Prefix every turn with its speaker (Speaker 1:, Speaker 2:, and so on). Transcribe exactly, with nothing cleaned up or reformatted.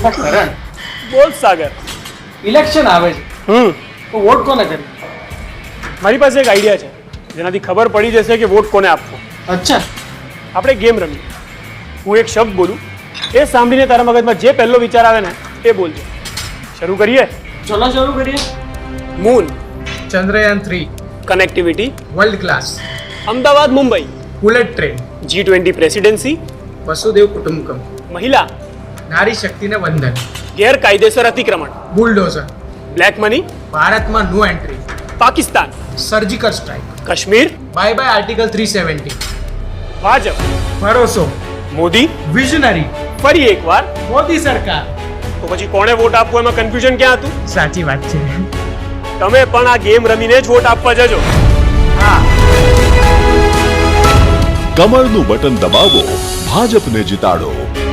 Speaker 1: કરણ,
Speaker 2: બોલ સાગર.
Speaker 1: ઇલેક્શન આવે છે
Speaker 2: હમ
Speaker 1: તો વોટ કોને કરી?
Speaker 2: મારી પાસે એક આઈડિયા છે જેનાથી ખબર પડી જશે કે વોટ કોને આપવો.
Speaker 1: અચ્છા,
Speaker 2: આપણે ગેમ રમીએ. હું એક શબ્દ બોલું, એ સાંભળીને તારા મગજમાં જે પહેલો વિચાર આવે ને એ બોલજો. શરૂ કરીએ?
Speaker 1: ચલો શરૂ કરીએ.
Speaker 2: Moon,
Speaker 3: Chandrayaan three,
Speaker 2: connectivity,
Speaker 3: world class,
Speaker 2: Ahmedabad Mumbai,
Speaker 3: bullet train,
Speaker 2: G twenty presidency,
Speaker 3: વસુદેવ કુટુંબકમ,
Speaker 2: મહિલા,
Speaker 3: નારી શક્તિને વંદન,
Speaker 2: ગેરકાયદેસર અતિક્રમણ,
Speaker 3: બુલડોઝર,
Speaker 2: બ્લેક મની,
Speaker 3: ભારતમાં no entry,
Speaker 2: Pakistan,
Speaker 3: surgical strike,
Speaker 2: Kashmir,
Speaker 3: bye bye article three seventy,
Speaker 2: Bhajpa,
Speaker 3: ભરોસો,
Speaker 2: મોદી.
Speaker 3: વિઝનરી,
Speaker 2: ફરી એકવાર.
Speaker 3: મોદી સરકાર.
Speaker 2: તો પછી કોણે વોટ આપવો એમાં કન્ફ્યુઝન ક્યાં હતું?
Speaker 3: સાચી વાત છે.
Speaker 2: તમે પણ આ ગેમ રમીને જ વોટ આપવા જજો.
Speaker 3: હા.
Speaker 4: કમળનું બટન દબાવો, ભાજપને જીતાડો.